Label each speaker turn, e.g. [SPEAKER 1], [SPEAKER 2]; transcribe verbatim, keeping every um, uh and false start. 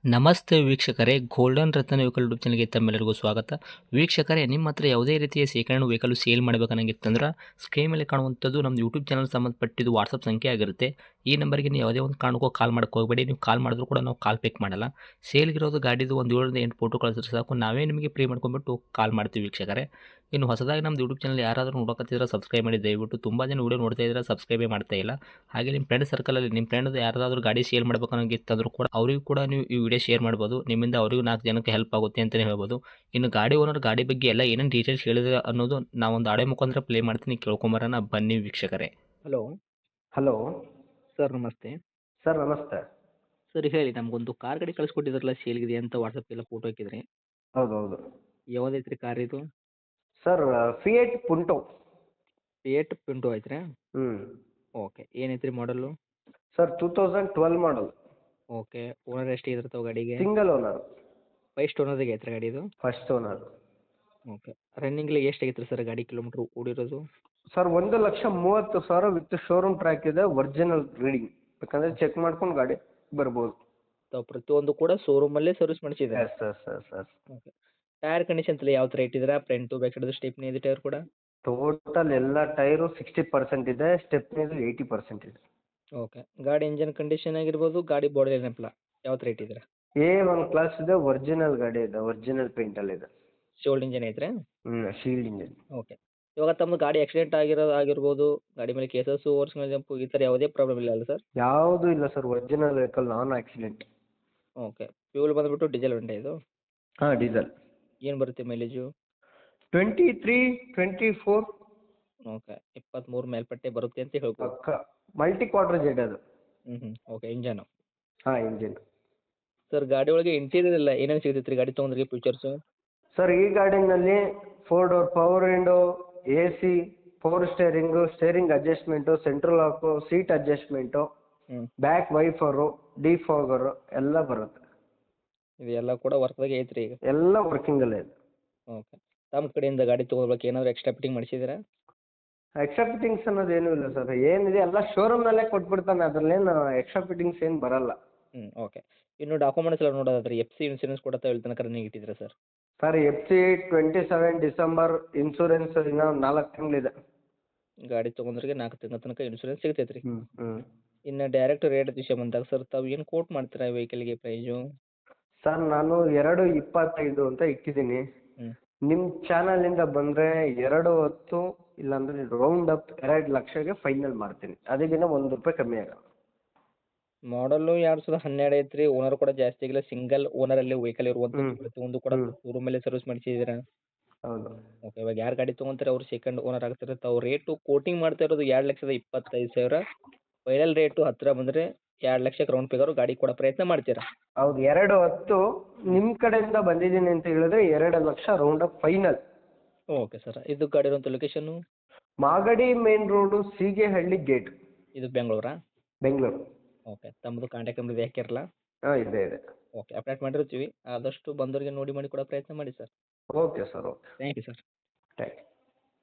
[SPEAKER 1] ನಮಸ್ತೆ ವೀಕ್ಷಕರೇ, ಗೋಲ್ಡನ್ ರತ್ನ vehicle YouTube ಚಾನಲ್ಗೆ ತಮ್ಮೆಲ್ಲರಿಗೂ ಸ್ವಾಗತ. ವೀಕ್ಷಕರೇ, ನಿಮ್ಮ ಹತ್ರ ಯಾವುದೇ ರೀತಿಯ ಶೇಖರಣೆ ವೆಹಿಕಲ್ ಸೇಲ್ ಮಾಡಬೇಕನ್ನಂಗಿತ್ತಂದ್ರೆ ಸ್ಕ್ರೀನ್ ಮೇಲೆ ಕಾಣುವಂಥದ್ದು ನಮ್ಮ ಯೂಟ್ಯೂಬ್ ಚಾನಲ್ ಸಂಬಂಧಪಟ್ಟಿದ್ದು ವಾಟ್ಸಪ್ ಸಂಖ್ಯೆ ಆಗಿರುತ್ತೆ. ಈ ನಂಬರ್ಗೆ ನೀವು ಯಾವುದೇ ಒಂದು ಕಾರಣಕ್ಕೂ ಕಾಲ್ ಮಾಡೋಕ್ಕೆ ಹೋಗಬೇಡಿ. ನೀವು ಕಾಲ್ ಮಾಡಿದ್ರು ಕೂಡ ನಾವು ಕಾಲ್ ಪಿಕ್ ಮಾಡಲ್ಲ. ಸೇಲ್ಗಿರೋದು ಗಾಡಿದು ಒಂದು ಏಳರಿಂದ ಎಂಟು ಫೋಟೋ ಕಳಿಸಿದ್ರೆ ಸಾಕು, ನಾವೇ ನಿಮಗೆ ಪ್ರೀ ಮಾಡ್ಕೊಂಡ್ಬಿಟ್ಟು ಕಾಲ್ ಮಾಡ್ತೀವಿ ವೀಕ್ಷಕರೇ. ಇನ್ನು ಹೊಸದಾಗಿ ನಮ್ಮದು ಯೂಟ್ಯೂಬ್ ಚಾನಲ್ ಯಾರಾದರೂ ನೋಡೋಕತ್ತಿದ್ರೆ ಸಬ್ಸ್ಕ್ರೈಬ್ ಮಾಡಿ ದಯವಿಟ್ಟು. ತುಂಬ ಜನ ವೀಡಿಯೋ ನೋಡ್ತಾ ಇದ್ದಾರೆ, ಸಬ್ಸ್ಕ್ರೈಬೇ ಮಾಡ್ತಾ ಇಲ್ಲ. ಹಾಗೆ ನಿಮ್ಮ ಫ್ರೆಂಡ್ ಸರ್ಕಲಲ್ಲಿ ನಿಮ್ಮ ಫ್ರೆಂಡ್ ಯಾರಾದರೂ ಗಾಡಿ ಸೇಲ್ ಮಾಡಬೇಕನ್ನೋಂಗಿತ್ತಂದ್ರೂ ಕೂಡ ಅವರಿಗೂ ಕೂಡ ನೀವು ಈ ವಿಡಿಯೋ ಶೇರ್ ಮಾಡ್ಬೋದು. ನಿಮ್ಮಿಂದ ಅವರಿಗೂ ನಾಲ್ಕು ಜನಕ್ಕೆ ಹೆಲ್ಪ್ ಆಗುತ್ತೆ ಅಂತಲೇ ಹೇಳ್ಬೋದು. ಇನ್ನು ಗಾಡಿ ಓನರ್ ಗಾಡಿ ಬಗ್ಗೆ ಎಲ್ಲ ಏನೇನು ಡೀಟೇಲ್ಸ್ ಹೇಳಿದ್ರೆ ಅನ್ನೋದು ನಾವೊಂದು ಆಡೆ ಮುಖಾಂತರ ಪ್ಲೇ ಮಾಡ್ತೀನಿ, ಕೇಳ್ಕೊಂಬರೋಣ ಬನ್ನಿ ವೀಕ್ಷಕರೇ. ಹಲೋ
[SPEAKER 2] ಹಲೋ
[SPEAKER 1] ಸರ್, ನಮಸ್ತೆ.
[SPEAKER 2] ಸರ್ ನಮಸ್ತೆ.
[SPEAKER 1] ಸರ್ ಹೇಳಿ, ನಮಗೊಂದು ಕಾರ್ ಗಾಡಿ ಕಳಿಸ್ಕೊಟ್ಟಿದ್ರಲ್ಲ ಸೇಲ್ಗಿದೆ ಅಂತ ವಾಟ್ಸಪ್ಪೆಲ್ಲ ಫೋಟೋ ಹಾಕಿದ್ರಿ.
[SPEAKER 2] ಹೌದು ಹೌದು
[SPEAKER 1] ಯಾವುದೈತ್ರಿ ಕಾರ್ ಇದು?
[SPEAKER 2] Sir Fiat Punto.
[SPEAKER 1] Fiat Punto ಐತ್ರಿ?
[SPEAKER 2] ಹ್ಞೂ
[SPEAKER 1] ಓಕೆ. ಏನೈತ್ರಿ ಮಾಡಲು?
[SPEAKER 2] Sir two thousand twelve model.
[SPEAKER 1] Okay. Owner ಎಷ್ಟು ಇದ್ರತಾವ ಗಾಡಿಗೆ?
[SPEAKER 2] Single owner.
[SPEAKER 1] ಫಸ್ಟ್ ಓನರ್ಗೆ ಐತ್ರಿ ಗಾಡಿ ಇದು?
[SPEAKER 2] First owner.
[SPEAKER 1] ಓಕೆ. ರನ್ನಿಂಗ್ಲಿ ಎಷ್ಟು ಆಗೈತ್ರಿ ಸರ್ ಗಾಡಿ ಕಿಲೋಮೀಟ್ರ್ ಓಡಿರೋದು?
[SPEAKER 2] ಸರ್ ಒಂದು ಲಕ್ಷ ಮೂವತ್ತು ಸಾವಿರ ವಿತ್ ಶೋರೂಮ್ ಟ್ರ್ಯಾಕ್ ಇದೆ, ಒರಿಜಿನಲ್ ರೀಡಿಂಗ್. ಬೇಕಂದರೆ ಚೆಕ್ ಮಾಡ್ಕೊಂಡು ಗಾಡಿ ಬರ್ಬೋದು.
[SPEAKER 1] ತಾವು ಪ್ರತಿಯೊಂದು ಕೂಡ ಶೋರೂಮಲ್ಲೇ ಸರ್ವಿಸ್ ಮಾಡಿಸಿದ್ದಾರೆ?
[SPEAKER 2] Yes sir sir sir
[SPEAKER 1] okay. Tyre conditions ಎಲ್ಲ ಯಾವ ಥರ ಇಟ್ಟಿದ್ದೀರಾ? ಫ್ರಂಟು ಬ್ಯಾಕ್ ಸೈಡ್ ಸ್ಟೆಪ್ನಿ ಇದೆ ಟೈರ್ ಕೂಡ?
[SPEAKER 2] ಟೋಟಲ್ ಎಲ್ಲ ಟೈರು ಸಿಕ್ಸ್ಟಿ ಪರ್ಸೆಂಟ್ ಇದೆ, ಸ್ಟೆಪ್ನಿದು ಏಯ್ಟಿ ಪರ್ಸೆಂಟ್ ಇದೆ.
[SPEAKER 1] ಓಕೆ. ಗಾಡಿ ಇಂಜನ್ ಕಂಡೀಷನ್ ಆಗಿರ್ಬೋದು, ಗಾಡಿ ಬಾಡಿ ಏನಪ್ಪಲ್ಲ ಯಾವ ಥರ ಇಟ್ಟಿದ್ದೀರಾ?
[SPEAKER 2] ಎ ಒನ್ ಕ್ಲಾಸ್ ಇದೆ, ಒರಿಜಿನಲ್ ಗಾಡಿ ಇದೆ, ಒರಿಜಿನಲ್ ಪೇಂಟಲ್ಲಿದೆ.
[SPEAKER 1] ಶೋಲ್ಡ್ ಇಂಜನ್ ಐತ್ರಿ?
[SPEAKER 2] ಹ್ಞೂ ಶೀಲ್ಡ್ ಇಂಜಿನ್.
[SPEAKER 1] ಓಕೆ. ಇವಾಗ ತಮ್ಮದು ಗಾಡಿ ಆಕ್ಸಿಡೆಂಟ್ ಆಗಿರೋ ಆಗಿರ್ಬೋದು, ಗಾಡಿ ಮೇಲೆ ಕೇಸಸ್ಸು ಓವರ್ಸ್ ಮೇಲೆ ಜಂಪು ಈ ಥರ ಯಾವುದೇ ಪ್ರಾಬ್ಲಮ್ ಇಲ್ಲ ಅಲ್ಲ ಸರ್?
[SPEAKER 2] ಯಾವುದೂ ಇಲ್ಲ ಸರ್, original vehicle, non accident.
[SPEAKER 1] Okay. Fuel ಬಂದುಬಿಟ್ಟು ಡೀಸೆಲ್ ಉಂಟೆ ಇದು?
[SPEAKER 2] ಹಾಂ ಡೀಸೆಲ್.
[SPEAKER 1] ಏನು ಬರುತ್ತೆ mileage?
[SPEAKER 2] Twenty three twenty four.
[SPEAKER 1] Okay. ಇಪ್ಪತ್ತ್ಮೂರು ಮೇಲ್ಪಟ್ಟೆ ಬರುತ್ತೆ ಅಂತ ಹೇಳ್ಬೋದು.
[SPEAKER 2] ಪಕ್ಕ ಮಲ್ಟಿ ಕ್ವಾಡ್ರ ಜೆಡ್ ಅದು.
[SPEAKER 1] ಹ್ಞೂ ಹ್ಞೂ ಓಕೆ. ಇಂಜನು?
[SPEAKER 2] ಹಾಂ ಇಂಜಿನ್.
[SPEAKER 1] ಸರ್ ಗಾಡಿ ಒಳಗೆ ಇಂಟೀರಿಯರ್ ಎಲ್ಲ ಏನೇನು ಸಿಗ್ತೈತೆ ರೀ ಗಾಡಿ ತೊಗೊಂಡ್ರಿಗೆ ಫೀಚರ್ಸು?
[SPEAKER 2] ಸರ್ ಈ ಗಾಡಿನಲ್ಲಿ four door power window, A C, power steering, steering adjustment, central lock, seat adjustment,
[SPEAKER 1] ಹ್ಞೂ.
[SPEAKER 2] ಬ್ಯಾಕ್ ವೈಫರು, ಡಿಫಾಗರು ಎಲ್ಲ ಬರುತ್ತೆ.
[SPEAKER 1] ಇದೆಲ್ಲ ಕೂಡ ವರ್ಕ್ದಾಗೆ ಐತ್ರಿ ಈಗ?
[SPEAKER 2] ಎಲ್ಲ ವರ್ಕಿಂಗಲ್ಲೇ ಇದೆ.
[SPEAKER 1] ಓಕೆ. ತಮ್ಮ ಕಡೆಯಿಂದ ಗಾಡಿ ತೊಗೊಳ್ಬೇಕು ಏನಾದರೂ ಎಕ್ಸ್ಟ್ರಾ ಫಿಟ್ಟಿಂಗ್ ಮಾಡಿಸಿದ್ದೀರಾ?
[SPEAKER 2] ಎಕ್ಸ್ಟ್ರಾ ಫಿಟ್ಟಿಂಗ್ಸ್ ಅನ್ನೋದು ಏನೂ ಇಲ್ಲ ಸರ್, ಏನಿದೆ ಎಲ್ಲ ಶೋರೂಮ್ನಲ್ಲೇ ಕೊಟ್ಬಿಡ್ತಾನೆ, ಅದರಲ್ಲೇನು ಎಕ್ಸ್ಟ್ರಾ ಫಿಟ್ಟಿಂಗ್ಸ್ ಏನು ಬರಲ್ಲ.
[SPEAKER 1] ಹ್ಞೂ ಓಕೆ. ಇನ್ನು ಡಾಕ್ಯುಮೆಂಟ್ಸ್ ಎಲ್ಲ ನೋಡೋದಾದ್ರೆ ಎಫ್ ಸಿ ಇನ್ಸೂರೆನ್ಸ್ ಕೂಡ ತಾವು ಇಲ್ಲಿ ತನಕ ರನ್ನಿಂಗ್ ಇಟ್ಟಿದ್ದೀರಾ sir?
[SPEAKER 2] Sir F C twenty seven December, insurance ಇನ್ನೂ ನಾಲ್ಕು ತಿಂಗಳಿದೆ.
[SPEAKER 1] ಗಾಡಿ ತೊಗೊಂಡ್ರಿಗೆ ನಾಲ್ಕು ತಿಂಗಳ ತನಕ ಇನ್ಸೂರೆನ್ಸ್ ಸಿಗ್ತೈತೆ ರೀ.
[SPEAKER 2] ಹ್ಞೂ ಹ್ಞೂ
[SPEAKER 1] ಇನ್ನು ಡೈರೆಕ್ಟ್ ರೇಟ್ ವಿಷಯ ಬಂದಾಗ ಸರ್ ತಾವು ಏನು ಕೋಟ್ ಮಾಡ್ತೀರಾ ವೆಹಿಕಲ್ಗೆ ಪ್ರೈಸು?
[SPEAKER 2] ಸರ್ ನಾನು ಎರಡು ಇಪ್ಪತ್ತೈದು ಅಂತ ಇಟ್ಟಿದ್ದೀನಿ.
[SPEAKER 1] ಹ್ಞೂ.
[SPEAKER 2] ನಿಮ್ಮ ಚಾನಲಿಂದ ಬಂದರೆ ಎರಡು ಹೊತ್ತು ಇಲ್ಲಾಂದರೆ ರೌಂಡ್ ಅಪ್ ಎರಡು ಲಕ್ಷಗೆ ಫೈನಲ್ ಮಾಡ್ತೀನಿ, ಅದಕ್ಕಿಂತ ಒಂದು ರೂಪಾಯಿ ಕಮ್ಮಿ ಆಗಲ್ಲ.
[SPEAKER 1] ಮಾಡಲು ಎರಡು ಸಾವಿರದ ಹನ್ನೆರಡು ಐತ್ರಿ. ಓನರ್ ಕೂಡ ಜಾಸ್ತಿ ಆಗಿಲ್ಲ, ಸಿಂಗಲ್ ಓನರಲ್ಲಿ ವೆಹಿಕಲ್ ಇರುವಂಥದ್ದು.
[SPEAKER 2] ಹ್ಮ್.
[SPEAKER 1] ಪ್ರತಿಯೊಂದು ಕೂಡ
[SPEAKER 2] ಹ್ಮ್.
[SPEAKER 1] ಶೋರೂಮಲ್ಲೇ ಸರ್ವಿಸ್ ಮಾಡಿಸಿದ್ದೀರಾ?
[SPEAKER 2] ಹೌದು.
[SPEAKER 1] ಓಕೆ. ಇವಾಗ ಯಾರು ಗಾಡಿ ತೊಗೊಂತಾರೆ ಅವ್ರು ಸೆಕೆಂಡ್ ಓನರ್ ಆಗ್ತಾರೆ. ತಾವು ರೇಟು ಕೋಟಿಂಗ್ ಮಾಡ್ತಾ ಇರೋದು ಎರಡು ಲಕ್ಷದ ಇಪ್ಪತ್ತೈದು ಸಾವಿರ. ಫೈನಲ್ ರೇಟು ಹತ್ತಿರ ಬಂದರೆ ಎರಡು ಲಕ್ಷಕ್ಕೆ ರೌಂಡ್ ಫಿಗರು ಗಾಡಿ ಕೊಡೋ ಪ್ರಯತ್ನ ಮಾಡ್ತೀರಾ?
[SPEAKER 2] ಹೌದು, ಎರಡು ಹೊತ್ತು ನಿಮ್ಮ ಕಡೆಯಿಂದ ಬಂದಿದ್ದೀನಿ ಅಂತ ಹೇಳಿದ್ರೆ ಎರಡು ಲಕ್ಷ round up final.
[SPEAKER 1] Okay sir. ಇದು ಗಾಡಿ ಇರುವಂಥ location?
[SPEAKER 2] Magadi main road, Seegehalli gate,
[SPEAKER 1] ಇದು ಬೆಂಗಳೂರಾ?
[SPEAKER 2] ಬೆಂಗಳೂರು.
[SPEAKER 1] ಓಕೆ. ತಮ್ಮದು ಕಾಂಟ್ಯಾಕ್ಟ್ ನಂಬರ್ ಇದು ಹಾಕಿರಲ್ಲ?
[SPEAKER 2] ಹಾಂ ಇದೆ ಇದೆ.
[SPEAKER 1] ಓಕೆ. ಅಪ್ಡೇಟ್ ಮಾಡಿರ್ತೀವಿ. ಆದಷ್ಟು ಬಂದವರಿಗೆ ನೋಡಿ ಮಾಡಿ ಕೊಡೋ ಪ್ರಯತ್ನ ಮಾಡಿ ಸರ್.
[SPEAKER 2] Okay sir, okay.
[SPEAKER 1] Thank you sir.
[SPEAKER 2] Thank you.